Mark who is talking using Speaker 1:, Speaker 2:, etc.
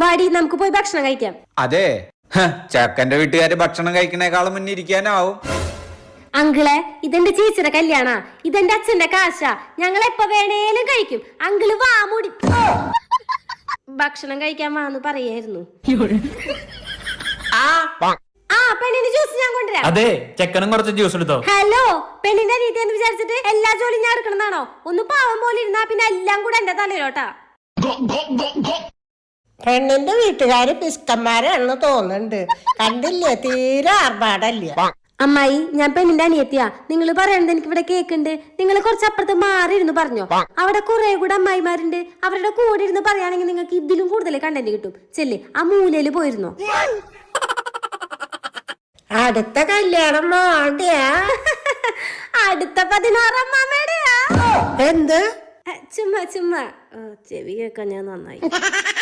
Speaker 1: വാടി നമുക്ക് പോയി ഭക്ഷണം കഴിക്കാം.
Speaker 2: അതെ, ചെക്കന്റെ വീട്ടുകാര് ഭക്ഷണം കഴിക്കണേക്കാളും മുന്നേ ഇരിക്കാനാവും.
Speaker 1: അങ്കിളെ, ഇതെന്റെ ചേച്ചിയുടെ കല്യാണ, ഇതെന്റെ അച്ഛന്റെ കാശ, ഞങ്ങൾ എപ്പോ വേണേലും കഴിക്കും. അങ്കിള് വാ മൂടി ഭക്ഷണം കഴിക്കാൻ വാന്ന് പറയായിരുന്നു. പെണ്ണിന്റെ ജ്യൂസ് ഞാൻ കൊണ്ടുവരാം.
Speaker 3: അതെ, ചെക്കനും കുറച്ച് ജ്യൂസ് എടുത്തോ.
Speaker 1: ഹലോ, പെണ്ണിന്റെ രീതി എന്ന് വിചാരിച്ചിട്ട് എല്ലാ ജോലിയും ഞാൻ എടുക്കണമെന്നാണോ? ഒന്ന് പാവം പോലെ ഇരുന്നാ പിന്നെ എല്ലാം കൂടെ എന്റെ തലയിലോട്ടാ.
Speaker 4: പെണ്ണിന്റെ വീട്ടുകാര് പിസ്കന്മാരാണെന്ന് തോന്നുന്നുണ്ട്. കണ്ടില്ലേ, തീരെ ആർഭാടല്ല.
Speaker 1: അമ്മായി, ഞാൻ പെണ്ണിന്റെ അനിയത്തിയാ. നിങ്ങൾ പറയണത് എനിക്ക് ഇവിടെ കേക്കുണ്ട്. നിങ്ങൾ കുറച്ചപ്പുറത്ത് മാറി ഇരുന്ന് പറഞ്ഞോ. അവിടെ കുറെ കൂടെ അമ്മായിമാരുണ്ട്. അവരുടെ കൂടെ ഇരുന്ന് പറയുകയാണെങ്കിൽ നിങ്ങൾക്ക് ഇതിലും കൂടുതൽ കണ്ടന്റ് കിട്ടും. ചെല്ലേ, ആ മൂലയില് പോയിരുന്നോ.
Speaker 4: അടുത്ത കല്യാണം മോടെയാ?
Speaker 1: അടുത്ത 16 അമ്മാമ്മയുടെയാ.
Speaker 4: എന്ത്?
Speaker 1: ചുമ്മാ ചെവി കേൾക്കാൻ ഞാൻ നന്നായി.